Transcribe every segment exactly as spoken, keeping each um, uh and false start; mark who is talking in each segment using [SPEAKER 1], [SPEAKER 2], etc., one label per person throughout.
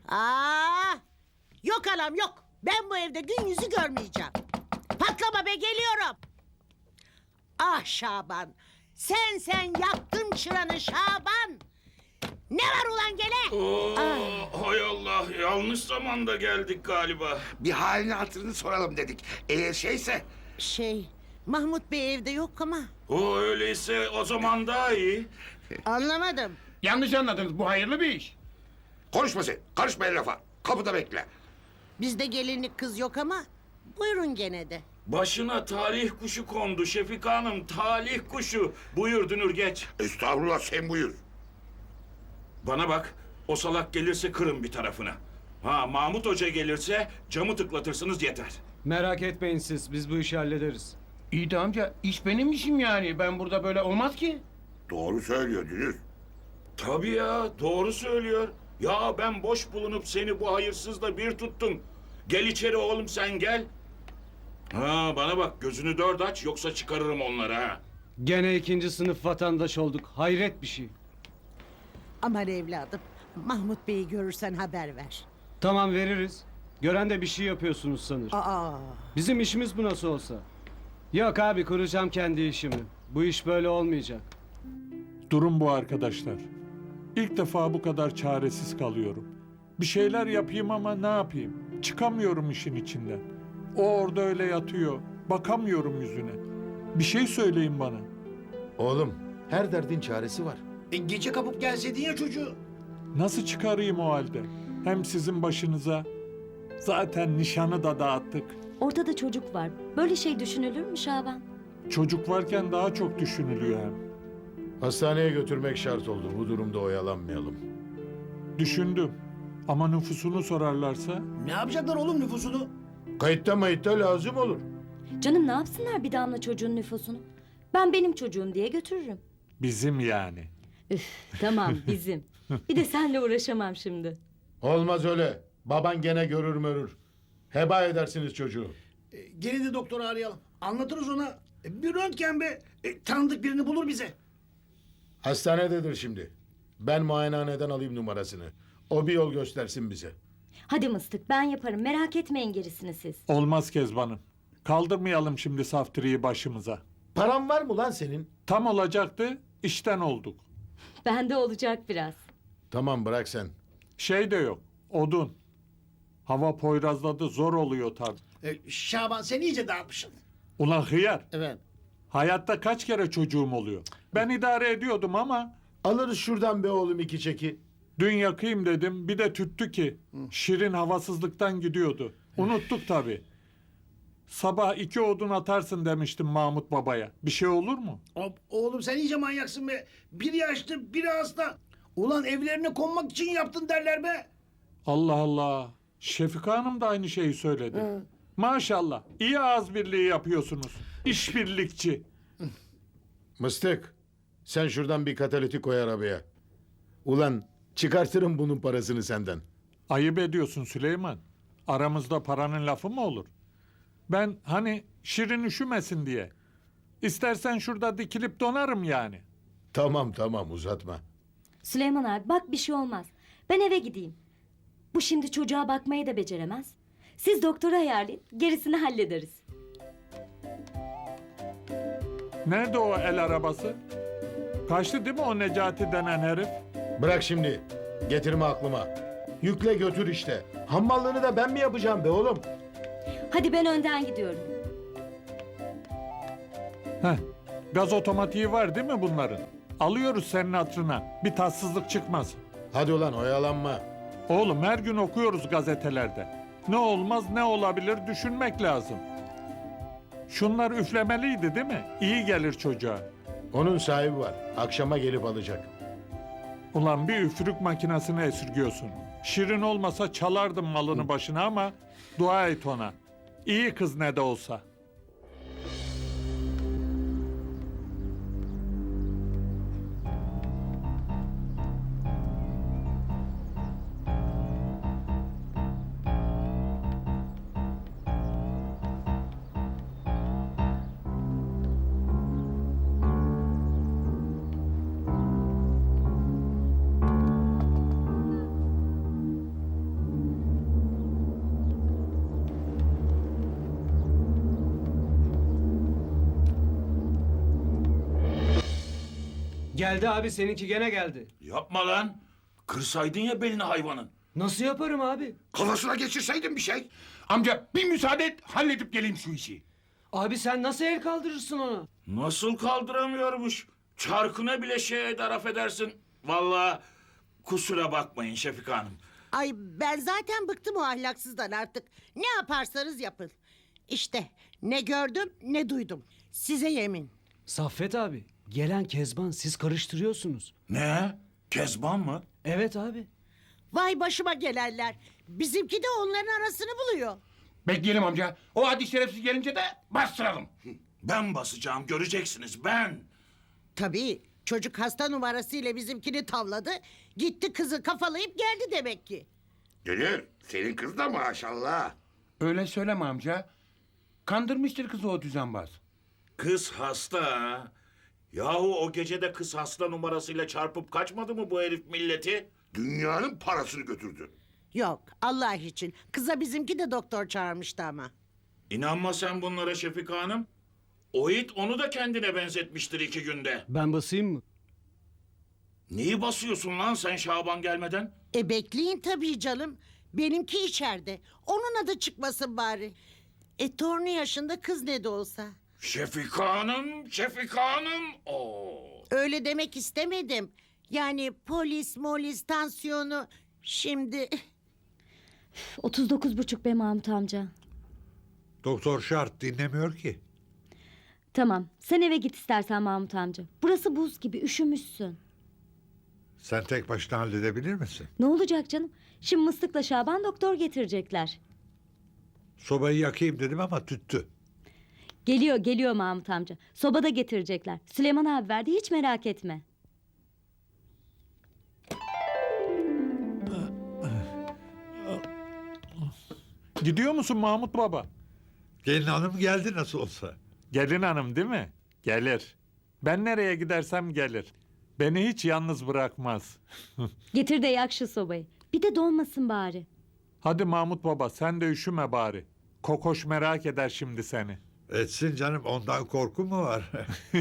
[SPEAKER 1] Aa, yok anam yok. Ben bu evde gün yüzü görmeyeceğim. Patlama be, geliyorum. Ah Şaban. Sen sen yaktın çıranı Şaban. Ne var ulan gene?
[SPEAKER 2] Oo, hay Allah, yanlış zamanda geldik galiba.
[SPEAKER 3] Bir halini hatırını soralım dedik. Eğer şeyse...
[SPEAKER 1] Şey, Mahmut Bey evde yok ama.
[SPEAKER 2] O öyleyse o zaman daha iyi.
[SPEAKER 1] Anlamadım.
[SPEAKER 4] Yanlış anladınız. Bu hayırlı bir iş.
[SPEAKER 3] Konuşma sen. Karışma el lafa. Kapıda bekle.
[SPEAKER 1] Bizde gelinlik kız yok ama buyurun gene de.
[SPEAKER 2] Başına talih kuşu kondu Şefika Hanım, talih kuşu. Buyur Dünür, geç.
[SPEAKER 3] Estağfurullah, sen buyur.
[SPEAKER 2] Bana bak, o salak gelirse kırın bir tarafına. Ha, Mahmut Hoca gelirse camı tıklatırsınız yeter.
[SPEAKER 5] Merak etmeyin siz, biz bu işi hallederiz.
[SPEAKER 4] İyi de amca, iş benim işim yani. Ben burada böyle olmaz ki.
[SPEAKER 3] Doğru söylüyor Dünür.
[SPEAKER 2] Tabii ya, doğru söylüyor. Ya ben boş bulunup seni bu hayırsızla bir tuttum. Gel içeri oğlum, sen gel. Ha, bana bak, gözünü dört aç yoksa çıkarırım onları ha.
[SPEAKER 5] Gene ikinci sınıf vatandaş olduk, hayret bir şey.
[SPEAKER 1] Aman evladım, Mahmut Bey'i görürsen haber ver.
[SPEAKER 5] Tamam, veririz. Gören de bir şey yapıyorsunuz sanır.
[SPEAKER 1] Aa,
[SPEAKER 5] Bizim işimiz bu nasıl olsa. Yok abi, kuracağım kendi işimi. Bu iş böyle olmayacak.
[SPEAKER 6] Durum bu arkadaşlar. İlk defa bu kadar çaresiz kalıyorum. Bir şeyler yapayım ama ne yapayım? Çıkamıyorum işin içinden. O orada öyle yatıyor. Bakamıyorum yüzüne. Bir şey söyleyin bana.
[SPEAKER 7] Oğlum, her derdin çaresi var.
[SPEAKER 8] E, gece kapıp gelseydin ya çocuğu.
[SPEAKER 6] Nasıl çıkarayım o halde? Hem sizin başınıza. Zaten nişanı da dağıttık.
[SPEAKER 9] Ortada çocuk var. Böyle şey düşünülür mü Şaban?
[SPEAKER 6] Çocuk varken daha çok düşünülüyor hem.
[SPEAKER 7] Hastaneye götürmek şart oldu. Bu durumda oyalanmayalım.
[SPEAKER 6] Düşündüm. Ama nüfusunu sorarlarsa
[SPEAKER 8] Ne yapacaklar oğlum nüfusunu?
[SPEAKER 7] Kayıtta mayıtta lazım olur.
[SPEAKER 9] Canım ne yapsınlar bir damla çocuğun nüfusunu? Ben benim çocuğum diye götürürüm.
[SPEAKER 6] bizim yani.
[SPEAKER 9] Üf, tamam bizim. Bir de senle uğraşamam şimdi.
[SPEAKER 7] Olmaz öyle. Baban gene görür mörür. Heba edersiniz çocuğu.
[SPEAKER 8] E, gene de doktoru arayalım. Anlatırız ona. E, bir röntgen be. E, tanıdık birini bulur bize.
[SPEAKER 7] Hastanededir şimdi. Ben muayenehaneden alayım numarasını. O bir yol göstersin bize.
[SPEAKER 9] Hadi mıstık ben yaparım merak etmeyin gerisini siz.
[SPEAKER 6] Olmaz Kezban'ım. Kaldırmayalım şimdi saftiriyi başımıza.
[SPEAKER 7] Paran var mı lan senin?
[SPEAKER 6] Tam olacaktı, işten olduk.
[SPEAKER 9] Bende olacak biraz.
[SPEAKER 7] Tamam, bırak sen.
[SPEAKER 6] Şey de yok, odun. Hava poyrazladı, zor oluyor tabii.
[SPEAKER 8] E, Şaban sen iyice dağıtmışsın.
[SPEAKER 6] Ulan hıyar,
[SPEAKER 8] Evet.
[SPEAKER 6] hayatta kaç kere çocuğum oluyor? Ben idare ediyordum ama
[SPEAKER 7] Alırız şuradan be oğlum iki çeki.
[SPEAKER 6] dün yakayım dedim, bir de tüttü ki. Şirin havasızlıktan gidiyordu. Unuttuk tabii. Sabah iki odun atarsın demiştim Mahmut babaya. Bir şey olur mu?
[SPEAKER 8] Hop, oğlum sen iyice manyaksın be. Biri yaşlı biri hasta. Ulan evlerine konmak için yaptın derler be.
[SPEAKER 6] Allah Allah. Şefika Hanım da aynı şeyi söyledi. Maşallah, iyi ağız birliği yapıyorsunuz. İşbirlikçi.
[SPEAKER 7] Mıstık, sen şuradan bir katalitik koy arabaya. Ulan çıkartırım bunun parasını senden.
[SPEAKER 6] Ayıp ediyorsun Süleyman. Aramızda paranın lafı mı olur? Ben hani Şirin üşümesin diye. İstersen şurada dikilip donarım yani.
[SPEAKER 7] Tamam tamam, uzatma.
[SPEAKER 9] Süleyman abi bak bir şey olmaz. Ben eve gideyim. Bu şimdi çocuğa bakmayı da beceremez. Siz doktora ayarlayın gerisini hallederiz.
[SPEAKER 6] Nerede o el arabası? Kaçtı değil mi o Necati denen herif?
[SPEAKER 7] Bırak şimdi. Getirme aklıma. Yükle götür işte. Hammallığını da ben mi yapacağım be oğlum?
[SPEAKER 9] Hadi ben önden gidiyorum.
[SPEAKER 6] Heh, gaz otomatiği var değil mi bunların? Alıyoruz senin hatırına. Bir tatsızlık çıkmaz.
[SPEAKER 7] Hadi ulan oyalanma.
[SPEAKER 6] Oğlum her gün okuyoruz gazetelerde. Ne olmaz ne olabilir düşünmek lazım. Şunlar üflemeliydi değil mi? İyi gelir çocuğa.
[SPEAKER 7] Onun sahibi var. Akşama gelip alacak.
[SPEAKER 6] Ulan bir üfürük makinesini esirgiyorsun. Şirin olmasa çalardım malını başına ama dua et ona. İyi kız ne de olsa.
[SPEAKER 5] Geldi abi, seninki gene geldi.
[SPEAKER 2] Yapma lan. Kırsaydın ya belini hayvanın.
[SPEAKER 5] Nasıl yaparım abi?
[SPEAKER 3] Kafasına geçirseydin bir şey.
[SPEAKER 4] Amca bir müsaade et halledip geleyim şu işi.
[SPEAKER 5] Abi sen nasıl el kaldırırsın ona?
[SPEAKER 2] Nasıl kaldıramıyormuş? Çarkına bile şey eder affedersin. Vallahi kusura bakmayın Şefika Hanım.
[SPEAKER 1] Ay ben zaten bıktım o ahlaksızdan artık. Ne yaparsanız yapın. İşte ne gördüm ne duydum. Size yemin.
[SPEAKER 5] Saffet abi, gelen Kezban, siz karıştırıyorsunuz.
[SPEAKER 2] Ne? Kezban mı?
[SPEAKER 5] Evet abi.
[SPEAKER 1] Vay başıma gelenler. Bizimki de onların arasını buluyor.
[SPEAKER 4] Bekleyelim amca. O hadi şerefsiz gelince de bastıralım.
[SPEAKER 2] Ben basacağım göreceksiniz ben.
[SPEAKER 1] Tabii çocuk hasta numarasıyla bizimkini tavladı. Gitti kızı kafalayıp geldi demek ki.
[SPEAKER 3] Dünür senin kız da maşallah.
[SPEAKER 4] Öyle söyleme amca. Kandırmıştır kızı o düzenbaz.
[SPEAKER 2] Kız hasta ha. Yahu o gecede kız hasta numarasıyla çarpıp kaçmadı mı bu herif milleti?
[SPEAKER 3] Dünyanın parasını götürdü.
[SPEAKER 1] Yok Allah için. Kıza bizimki de doktor çağırmıştı ama.
[SPEAKER 2] İnanma sen bunlara Şefika Hanım. O it onu da kendine benzetmiştir iki günde.
[SPEAKER 5] Ben basayım mı?
[SPEAKER 2] Neyi basıyorsun lan sen Şaban gelmeden?
[SPEAKER 1] E bekleyin tabii canım. Benimki içeride. Onun adı çıkmasın bari. E torunu yaşında kız ne de olsa.
[SPEAKER 2] Şefika Hanım, Şefika Hanım. Oo.
[SPEAKER 1] Öyle demek istemedim. Yani polis, molis, tansiyonu. Şimdi
[SPEAKER 9] otuz dokuz buçuk be Mahmut amca.
[SPEAKER 10] Doktor şart dinlemiyor ki.
[SPEAKER 9] Tamam, sen eve git istersen Mahmut amca. Burası buz gibi, üşümüşsün.
[SPEAKER 10] Sen tek başına halledebilir misin?
[SPEAKER 9] Ne olacak canım? Şimdi Mıstık'la Şaban doktor getirecekler.
[SPEAKER 10] Sobayı yakayım dedim ama tüttü.
[SPEAKER 9] Geliyor, geliyor Mahmut amca. Soba da getirecekler. Süleyman abi verdi, hiç merak etme.
[SPEAKER 6] Gidiyor musun Mahmut Baba?
[SPEAKER 10] Gelin hanım geldi nasıl olsa.
[SPEAKER 6] Gelin hanım değil mi? Gelir. Ben nereye gidersem gelir. Beni hiç yalnız bırakmaz.
[SPEAKER 9] Getir de yak şu sobayı. Bir de donmasın bari.
[SPEAKER 6] Hadi Mahmut Baba sen de üşüme bari. Kokoş merak eder şimdi seni.
[SPEAKER 10] Etsin canım ondan korku mu var?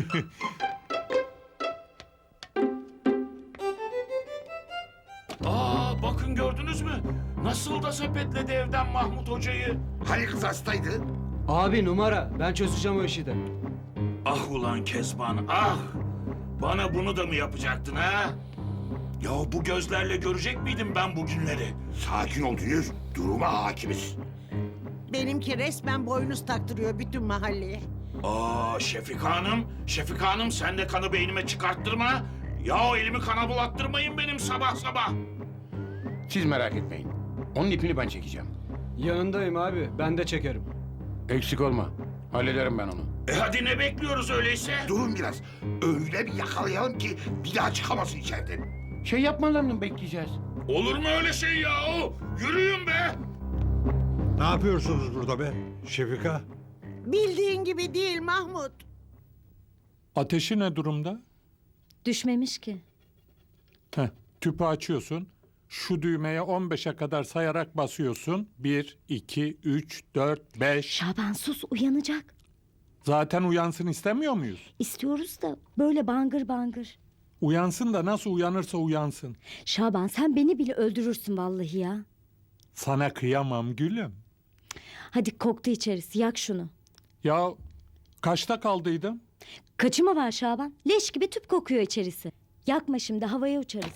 [SPEAKER 2] Aa bakın gördünüz mü? Nasıl da sepetledi evden Mahmut Hoca'yı.
[SPEAKER 3] Hani kız hastaydı?
[SPEAKER 5] Abi numara, ben çözeceğim o işi de.
[SPEAKER 2] Ah ulan Kezban ah! Bana bunu da mı yapacaktın ha? Ya bu gözlerle görecek miydim ben bu günleri?
[SPEAKER 3] Sakin ol Dünür. Duruma hakimiz.
[SPEAKER 1] benimki resmen boynuz taktırıyor bütün mahalleye.
[SPEAKER 2] Aa Şefika Hanım, Şefika Hanım sen de kanı beynime çıkarttırma. Ya elimi kana bulattırmayın benim sabah sabah.
[SPEAKER 4] Siz merak etmeyin. Onun ipini ben çekeceğim.
[SPEAKER 5] Yanındayım abi, ben de çekerim.
[SPEAKER 4] Eksik olma. Hallederim ben onu.
[SPEAKER 2] E hadi ne bekliyoruz öyleyse?
[SPEAKER 3] Durun biraz. Öyle bir yakalayalım ki bir daha çıkamasın içeriden.
[SPEAKER 4] Şey yapmalarını bekleyeceğiz.
[SPEAKER 2] Olur mu öyle şey ya? Yürüyün be!
[SPEAKER 10] Ne yapıyorsunuz burada be? Şefika?
[SPEAKER 1] Bildiğin gibi değil Mahmut.
[SPEAKER 6] Ateşi ne durumda?
[SPEAKER 9] Düşmemiş ki.
[SPEAKER 6] Heh, tüpü açıyorsun. Şu düğmeye on beşe kadar sayarak basıyorsun. Bir, iki, üç, dört, beş.
[SPEAKER 9] Şaban sus, uyanacak.
[SPEAKER 6] Zaten uyansın istemiyor muyuz?
[SPEAKER 9] İstiyoruz da böyle bangır bangır.
[SPEAKER 6] Uyansın da nasıl uyanırsa uyansın.
[SPEAKER 9] Şaban sen beni bile öldürürsün vallahi ya.
[SPEAKER 6] Sana kıyamam gülüm.
[SPEAKER 9] Hadi koktu içerisi, yak şunu.
[SPEAKER 6] Ya kaçta kaldıydım?
[SPEAKER 9] Kaçı mı var Şaban? Leş gibi tüp kokuyor içerisi. Yakma şimdi, havaya uçarız.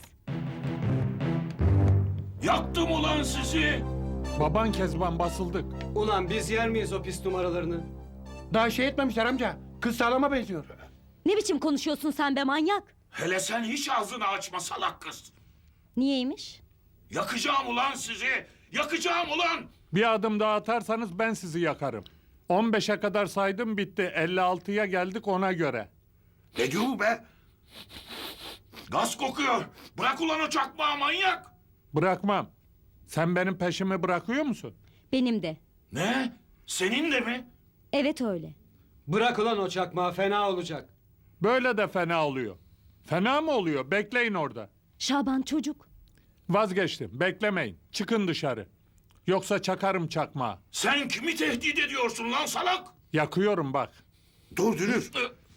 [SPEAKER 2] Yaktım ulan sizi!
[SPEAKER 6] Baban Kezban basıldık.
[SPEAKER 5] Ulan biz yer miyiz o pis numaralarını?
[SPEAKER 4] Daha şey etmemişler amca. Kız sağlama benziyor.
[SPEAKER 9] Ne biçim konuşuyorsun sen be manyak?
[SPEAKER 2] Hele sen hiç ağzını açma salak kız.
[SPEAKER 9] Niyeymiş?
[SPEAKER 2] Yakacağım ulan sizi! Yakacağım ulan!
[SPEAKER 6] Bir adım daha atarsanız ben sizi yakarım. on beşe kadar saydım bitti. elli altıya geldik ona göre.
[SPEAKER 3] Ne diyor bu be?
[SPEAKER 2] Gaz kokuyor. Bırak ulan o çakmağı manyak!
[SPEAKER 6] Bırakmam. Sen benim peşimi bırakıyor musun?
[SPEAKER 9] Benim de.
[SPEAKER 2] Ne? Senin de mi?
[SPEAKER 9] Evet öyle.
[SPEAKER 5] Bırak ulan o çakmağı, fena olacak.
[SPEAKER 6] Böyle de fena oluyor. Fena mı oluyor? Bekleyin orada.
[SPEAKER 9] Şaban çocuk.
[SPEAKER 6] Vazgeçtim. Beklemeyin. Çıkın dışarı. Yoksa çakarım çakmağı.
[SPEAKER 2] Sen kimi tehdit ediyorsun lan salak?
[SPEAKER 6] Yakıyorum bak.
[SPEAKER 3] Dur Dünür.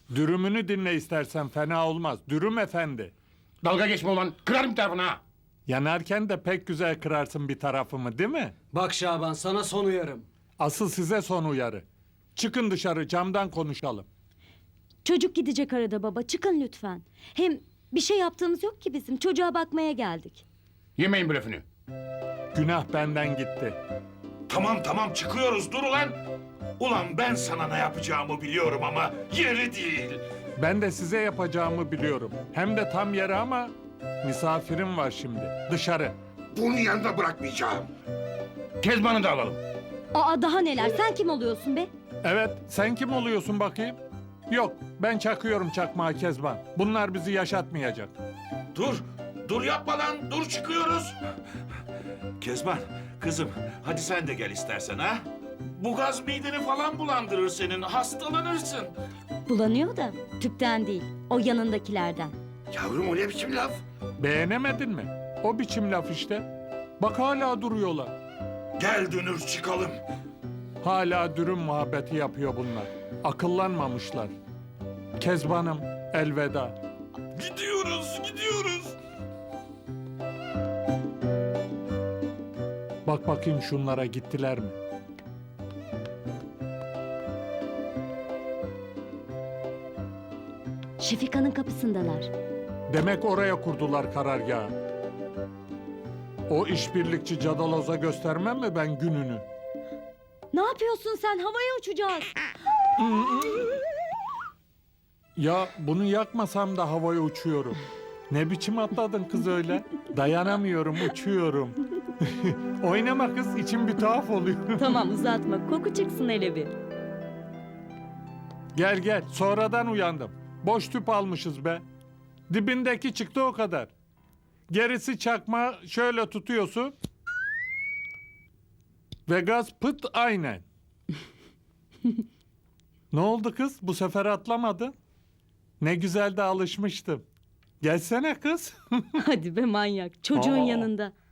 [SPEAKER 6] Dürümünü dinle istersen, fena olmaz. Dürüm efendi.
[SPEAKER 4] Dalga geçme ulan. Kırarım tarafını ha.
[SPEAKER 6] Yanarken de pek güzel kırarsın bir tarafımı, değil mi?
[SPEAKER 5] Bak Şaban, sana son uyarım.
[SPEAKER 6] Asıl size son uyarı. Çıkın dışarı, camdan konuşalım.
[SPEAKER 9] Çocuk gidecek arada baba. Çıkın lütfen. Hem bir şey yaptığımız yok ki bizim. Çocuğa bakmaya geldik.
[SPEAKER 4] Yemeyin blöfünü.
[SPEAKER 6] Günah benden gitti.
[SPEAKER 2] Tamam tamam çıkıyoruz dur ulan. Ulan ben sana ne yapacağımı biliyorum ama yeri değil.
[SPEAKER 6] Ben de size yapacağımı biliyorum. Hem de tam yeri ama misafirim var şimdi. Dışarı.
[SPEAKER 3] Bunun yanında bırakmayacağım.
[SPEAKER 4] Kezban'ı da alalım.
[SPEAKER 9] Aa daha neler? Sen kim oluyorsun be?
[SPEAKER 6] Evet, sen kim oluyorsun bakayım? Yok, ben çakıyorum çakmağı Kezban. Bunlar bizi yaşatmayacak.
[SPEAKER 2] Dur, dur yapma lan, dur çıkıyoruz. Kezban, kızım hadi sen de gel istersen ha. Bu gaz mideni falan bulandırır senin, hastalanırsın.
[SPEAKER 9] Bulanıyor da tüpten değil. O yanındakilerden.
[SPEAKER 3] Yavrum o ne biçim laf?
[SPEAKER 6] Beğenemedin mi? O biçim laf işte. Bak hala duruyorlar.
[SPEAKER 2] Gel Dünür çıkalım.
[SPEAKER 6] Hala dürüm muhabbeti yapıyor bunlar. Akıllanmamışlar. Kezban'ım, elveda.
[SPEAKER 2] Gidiyoruz, gidiyoruz.
[SPEAKER 6] Bak bakayım şunlara gittiler mi?
[SPEAKER 9] Şefika'nın kapısındalar.
[SPEAKER 6] Demek oraya kurdular karargahı. O işbirlikçi cadaloza göstermem mi ben gününü?
[SPEAKER 9] Ne yapıyorsun sen? Havaya uçacağız.
[SPEAKER 6] Ya bunu yakmasam da havaya uçuyorum. Ne biçim atladın kız öyle? Dayanamıyorum, uçuyorum. Oynama kız, içim bir tuhaf oluyor.
[SPEAKER 9] Tamam uzatma. Koku çıksın hele bir.
[SPEAKER 6] Gel gel, sonradan uyandım. Boş tüp almışız be. Dibindeki çıktı o kadar. Gerisi çakma şöyle tutuyorsun. Ve gaz pıt aynen. Ne oldu kız? Bu sefer atlamadın. Ne güzel de alışmıştım. Gelsene kız.
[SPEAKER 9] Hadi be manyak. Çocuğun
[SPEAKER 6] Aa.
[SPEAKER 9] yanında.